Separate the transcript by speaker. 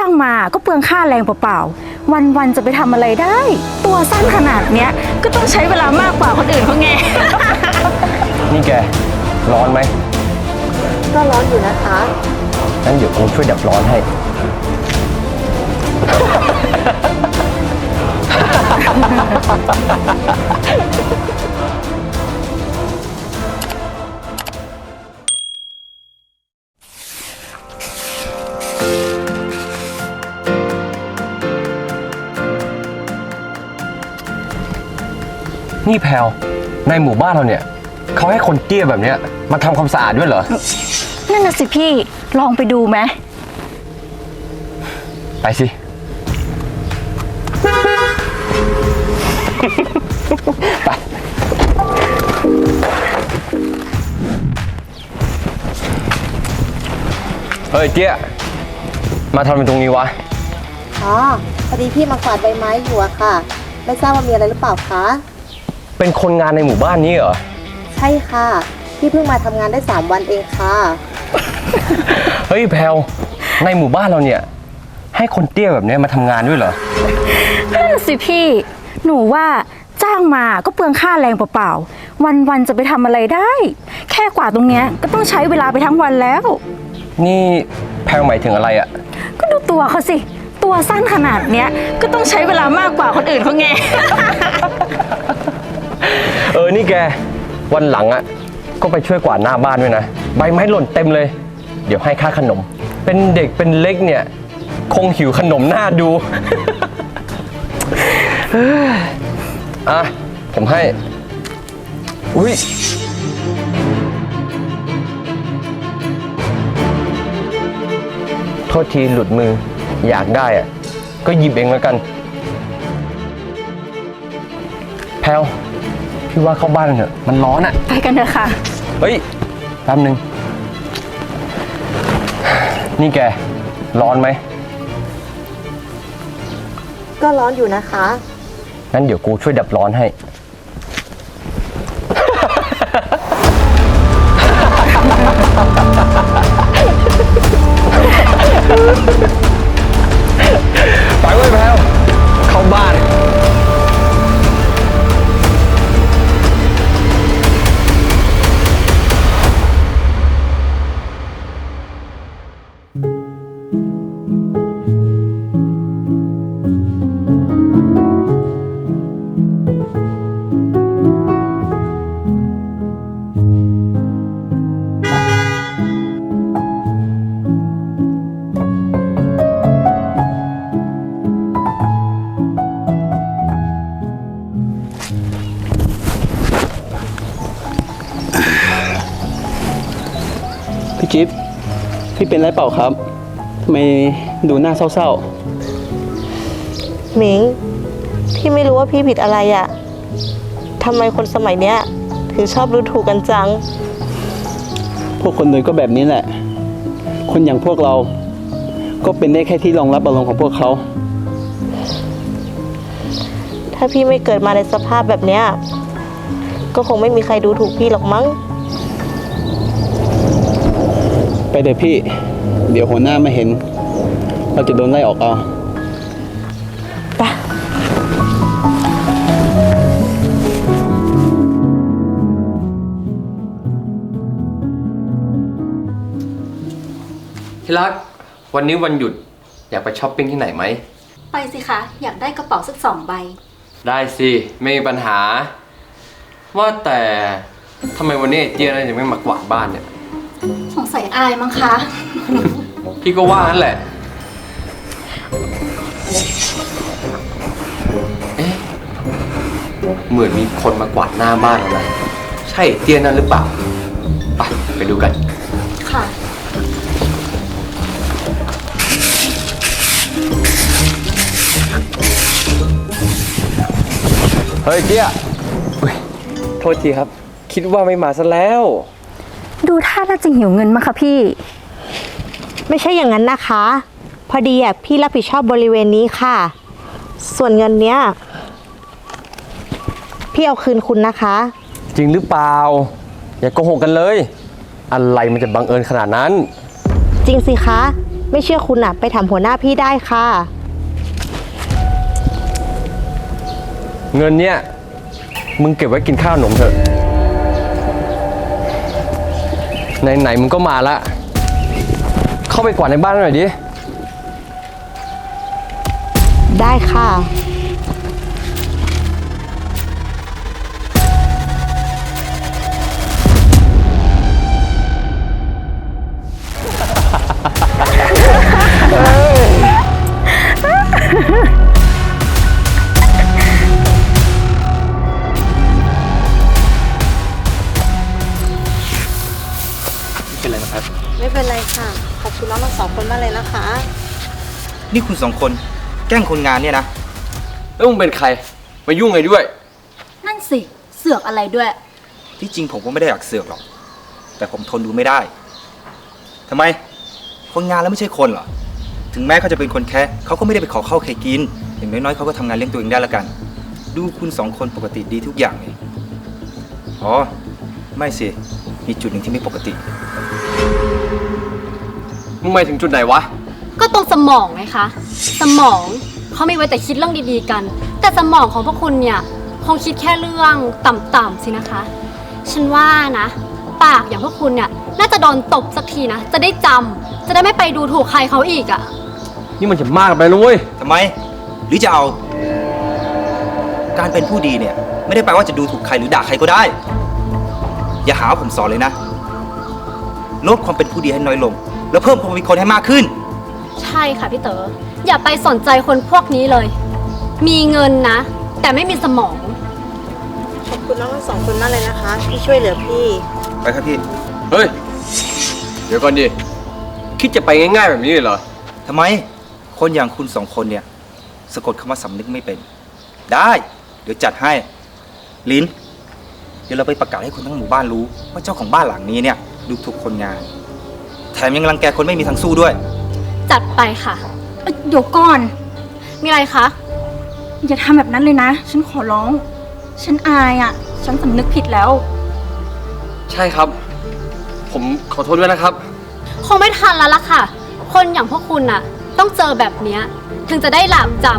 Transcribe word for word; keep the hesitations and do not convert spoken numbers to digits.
Speaker 1: างมาก็เปลืองค่าแรงเปล่าๆวันๆจะไปทำอะไรได้ ตัวสั้นขนาดเนี้ยก็ต้องใช้เวลามากกว่าคนอื่นเขาไง
Speaker 2: นี่แกร้อนไหม
Speaker 3: ก็ร้อนอยู่นะคะ
Speaker 2: งั้นเดี๋ยวผมช่วยดับร้อนให้นี่แพลวในหมู่บ้านเราเนี่ยเขาให้คนเตี้ยแบบเนี้ยมาทำความสะอาดด้วยเหรอ
Speaker 1: นั่นน่ะสิพี่ลองไปดูไหม
Speaker 2: ไปสิ ไปเฮ้ยเตี้ยมาทำเป็นตรงนี้วะ
Speaker 3: อ๋อพอดีพี่มากวาดใบไม้อยู่อะค่ะไม่ทราบว่ามีอะไรหรือเปล่าคะ
Speaker 2: เป็นคนงานในหมู่บ้านนี้เหรอ
Speaker 3: ใช่ค่ะพี่เพิ่งมาทำงานได้สามวันเองค่ะ
Speaker 2: เฮ้ยแพลวในหมู่บ้านเราเนี่ยให้คนเตี้ยแบบนี้มาทำงานด้วยเหรอ
Speaker 1: นั่นสิพี่หนูว่าจ้างมาก็เปลืองค่าแรงเปล่าๆวันๆจะไปทำอะไรได้ แค่กว่าตรงเนี้ยก็ต้องใช้เวลาไปทั้งวันแล้ว
Speaker 2: นี่แพลวหมายถึงอะไรอ่ะ
Speaker 1: ก็ดูตัวเขาสิตัวสั้นขนาดเนี้ยก็ต้องใช้เวลามากกว่าคนอื่นเขาไง
Speaker 2: เออนี่แกวันหลังอ่ะก็ไปช่วยกวาดหน้าบ้านด้วยนะใบไม้หล่นเต็มเลยเดี๋ยวให้ค่าขนมเป็นเด็กเป็นเล็กเนี่ยคงหิวขนมหน้าดู อ่ะผมให้อุ้ยโทษทีหลุดมืออยากได้อ่ะก็หยิบเองแล้วกันแพลวพี่ว่าเข้าบ้านเถอะมันร้อนอ่ะ
Speaker 1: ไปกันเถอะค่ะ
Speaker 2: เฮ้ยแป๊บนึงนี่แกร้อนไหม
Speaker 3: ก็ร้อนอยู่นะคะ
Speaker 2: งั้นเดี๋ยวกูช่วยดับร้อนให้ไปเว้ยแพลวเข้าบ้าน
Speaker 4: พี่จิ๊บพี่เป็นไรเปล่าครับทำไมดูหน้าเศร้า
Speaker 3: ๆหมิงพี่ไม่รู้ว่าพี่ผิดอะไรอะทำไมคนสมัยเนี้ยถึงชอบดูถูกกันจัง
Speaker 4: พวกคนรวยก็แบบนี้แหละคนอย่างพวกเราก็เป็นได้แค่ที่รองรับอารมณ์ของพวกเขา
Speaker 3: ถ้าพี่ไม่เกิดมาในสภาพแบบเนี้ยก็คงไม่มีใครดูถูกพี่หรอกมั้ง
Speaker 4: ไปเดี๋ยวพี่เดี๋ยวหัวหน้ามาเห็นเราจะโดนไล่ออกเอา
Speaker 3: ไป
Speaker 2: ที่รักวันนี้วันหยุดอยากไปช้อปปิ้งที่ไหนไหม
Speaker 1: ไปสิคะอยากได้กระเป๋าสักสองใบ
Speaker 2: ได้สิไม่มีปัญหาว่าแต่ทำไมวันนี้เจี๊ยบยังไม่มากวาดบ้านเนี่ย
Speaker 1: สงสัยอายมั้งคะ
Speaker 2: พี่ก็ว่านั่นแหละเอ๊ะเหมือนมีคนมากวาดหน้าบ้านเรานะใช่เตี้ยนั่นหรือเปล่าไปไปดูกัน
Speaker 1: ค่ะ
Speaker 2: เฮ้ยเจี๊ยโทษทีครับคิดว่าไม่มาซะแล้ว
Speaker 1: ดูท่าน่าจะหิวเงินมั้งคะพี่
Speaker 3: ไม่ใช่อย่างนั้นนะคะพอดีอ่ะพี่รับผิดชอบบริเวณนี้ค่ะส่วนเงินเนี้ยพี่เอาคืนคุณนะคะ
Speaker 2: จริงหรือเปล่าอย่าโกหกกันเลยอะไรมันจะบังเอิญขนาดนั้น
Speaker 3: จริงสิคะไม่เชื่อคุณอะไปถามหัวหน้าพี่ได้ค่ะ
Speaker 2: เงินเนี่ยมึงเก็บไว้กินข้าวขนมเถอะไหนๆมึงก็มาละเข้าไปกวาดในบ้านหน่อยดิ
Speaker 3: ได้ค่ะ
Speaker 5: เป็นไรนะครับ
Speaker 3: ไม่เป็นไรค่ะ ขอบคุณน้องทั้งสองคนมากเลยนะคะ
Speaker 5: นี่คุณสองคนแกล้งคนงานเนี่ยนะ
Speaker 2: แล้วมึงเป็นใครมายุ่งไงด้วย
Speaker 1: นั่นสิ เสือกอะไรด้วย
Speaker 5: ที่จริงผมก็ไม่ได้อยากเสือกหรอก แต่ผมทนดูไม่ได้ทำไม คนงานแล้วไม่ใช่คนเหรอ ถึงแม้เขาจะเป็นคนแค่เขาก็ไม่ได้ไปขอข้าวใครกิน อย่างน้อยๆเขาก็ทำงานเลี้ยงตัวเองได้ละกัน ดูคุณสองคนปกติดีทุกอย่างเลยอ๋อ ไม่สิ มีจุดหนึ่งที่ไม่ปกติ
Speaker 2: มึงหมายถึงจุดไหนวะ
Speaker 6: ก็ตรงสมองไงคะ สมองเขาไม่ไว้แต่คิดเรื่องดีๆกัน แต่สมองของพวกคุณเนี่ยคงคิดแค่เรื่องต่ำๆสินะคะ ฉันว่านะ ปากอย่างพวกคุณเนี่ยน่าจะโดนตบสักทีนะ จะได้จำจะได้ไม่ไปดูถูกใครเขาอีกอะ่ะ
Speaker 2: นี่มันจะมากไปนะเว้ย
Speaker 5: ทำไม หรือจะเอา การเป็นผู้ดีเนี่ย ไม่ได้แปลว่าจะดูถูกใครหรือด่าใครก็ได้ อย่าหาว่าผมสอนเลยนะ ลดความเป็นผู้ดีให้น้อยลง แล้วเพิ่มความเป็นคนให้มากขึ้น
Speaker 6: ใช่ค่ะพี่เต๋อ อย่าไปสนใจคนพวกนี้เลย มีเงินนะ แต่ไม่มีสมอง
Speaker 3: ขอบคุณน้องทั้งสองคนมากเลยนะคะ ที่ช่วยเหลือพี่
Speaker 5: ไปครับพี่
Speaker 2: เฮ้ย เดี๋ยวก่อนดิ คิดจะไปง่ายๆแบบนี้เลยเหรอ
Speaker 5: ทำไม คนอย่างคุณสองคนเนี่ย สะกดคำว่าสำนึกไม่เป็น ได้ เดี๋ยวจัดให้ ลิ้น เดี๋ยวเราไปประกาศให้คนทั้งหมู่บ้านรู้ ว่าเจ้าของบ้านหลังนี้เนี่ยดูถูกคนงาน แถมยังรังแกคนไม่มีทางสู้ด้วย
Speaker 6: จัดไปค่ะ
Speaker 1: เอ้ยเดี๋ยวก่อน
Speaker 6: มีอะไรคะ
Speaker 1: อย่าทำแบบนั้นเลยนะ ฉันขอร้อง ฉันอายอ่ะ ฉันสำนึกผิดแล้ว
Speaker 2: ใช่ครับ ผมขอโทษด้วยนะครับ
Speaker 6: คงไม่ทันแล้วล่ะค่ะ คนอย่างพวกคุณน่ะ ต้องเจอแบบเนี้ยถึงจะได้หลาบจำ